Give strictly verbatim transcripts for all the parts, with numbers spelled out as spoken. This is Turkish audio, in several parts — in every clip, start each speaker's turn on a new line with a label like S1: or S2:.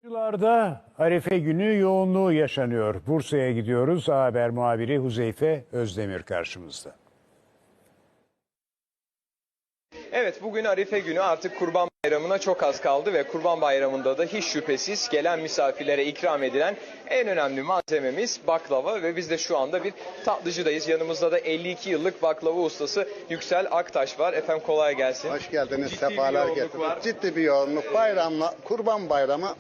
S1: Yıllarda Arife günü yoğunluğu yaşanıyor. Bursa'ya gidiyoruz. A Haber muhabiri Huzeyfe Özdemir karşımızda.
S2: Evet, bugün Arife günü, artık Kurban Bayramı'na çok az kaldı ve Kurban Bayramı'nda da hiç şüphesiz gelen misafirlere ikram edilen en önemli malzememiz baklava ve biz de şu anda bir tatlıcıdayız. Yanımızda da elli iki yıllık baklava ustası Yüksel Aktaş var. Efendim kolay gelsin.
S3: Hoş geldiniz,
S2: Ciddi
S3: sefalar
S2: bir yoğunluk var.
S3: getirdiniz. Ciddi bir yoğunluk. Bayramla, Kurban Bayramı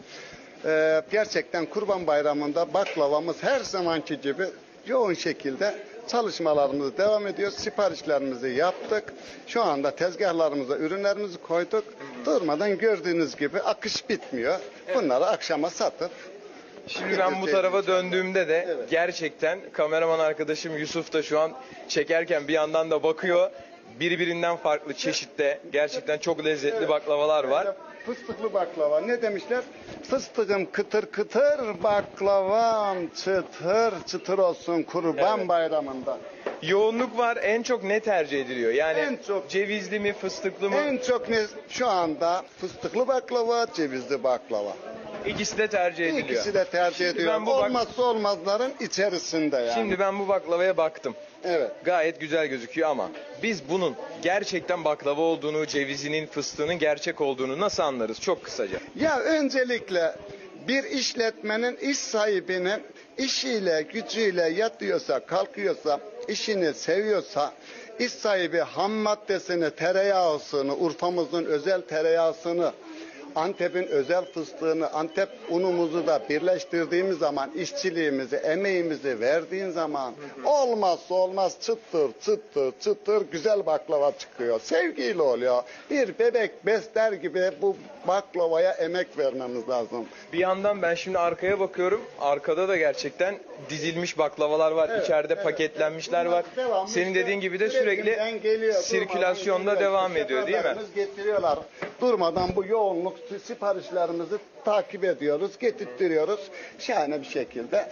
S3: e, gerçekten Kurban Bayramı'nda baklavamız her zamanki gibi yoğun şekilde çalışmalarımız devam ediyor. Siparişlerimizi yaptık. Şu anda tezgahlarımıza ürünlerimizi koyduk. Durmadan gördüğünüz gibi akış bitmiyor. Bunları akşama satıp
S2: Şimdi ben bu tarafa döndüğümde de
S3: Evet.
S2: gerçekten kameraman arkadaşım Yusuf da şu an çekerken bir yandan da bakıyor. Birbirinden farklı çeşitte gerçekten çok lezzetli
S3: Evet.
S2: baklavalar var.
S3: Fıstıklı baklava. Ne demişler? Fıstığım kıtır kıtır, baklavam çıtır çıtır olsun Kurban
S2: Evet.
S3: Bayramı'nda.
S2: Yoğunluk var. En çok ne tercih ediliyor? Yani
S3: En çok-
S2: cevizli mi, fıstıklı mı?
S3: En çok ne şu anda fıstıklı baklava, cevizli baklava.
S2: İkisi de tercih ediliyor.
S3: İkisi de tercih
S2: Şimdi
S3: ediyor.
S2: ben bu bak-
S3: Olmazsa olmazların içerisinde yani.
S2: Şimdi ben bu baklavaya baktım.
S3: Evet.
S2: Gayet güzel gözüküyor ama biz bunun gerçekten baklava olduğunu, cevizinin, fıstığının gerçek olduğunu nasıl anlarız? Çok kısaca.
S3: Ya öncelikle bir işletmenin iş sahibinin işiyle, gücüyle yatıyorsa, kalkıyorsa, işini seviyorsa, iş sahibi ham maddesini, tereyağısını, Urfa'mızın özel tereyağısını, Antep'in özel fıstığını, Antep unumuzu da birleştirdiğimiz zaman, işçiliğimizi, emeğimizi verdiğin zaman olmazsa olmaz çıtır çıtır çıtır güzel baklava çıkıyor. Sevgiyle oluyor. Bir bebek besler gibi bu baklavaya emek vermemiz lazım.
S2: Bir yandan ben şimdi arkaya bakıyorum. Arkada da gerçekten dizilmiş baklavalar var.
S3: Evet,
S2: İçeride
S3: evet,
S2: paketlenmişler
S3: Bunlar
S2: var.
S3: devamlı
S2: Senin
S3: işte
S2: dediğin gibi de
S3: üretimden
S2: sürekli
S3: geliyor,
S2: sirkülasyonda
S3: durmadan geliyor.
S2: devam ediyor değil mi?
S3: Şoförlerimiz getiriyorlar. Durmadan bu yoğunluk siparişlerimizi takip ediyoruz, getirtiyoruz. Şahane bir şekilde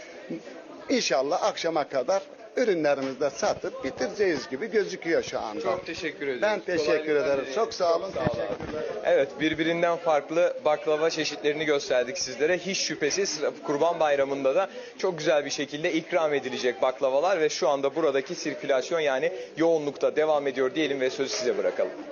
S3: İnşallah akşama kadar ürünlerimizi de satıp bitireceğiz gibi gözüküyor şu anda.
S2: Çok teşekkür ederim.
S3: Ben teşekkür ederim. Çok sağ olun.
S2: Çok sağ olun.
S3: Teşekkürler.
S2: Evet, birbirinden farklı baklava çeşitlerini gösterdik sizlere. Hiç şüphesiz Kurban Bayramı'nda da çok güzel bir şekilde ikram edilecek baklavalar ve şu anda buradaki sirkülasyon yani yoğunlukta devam ediyor diyelim ve sözü size bırakalım.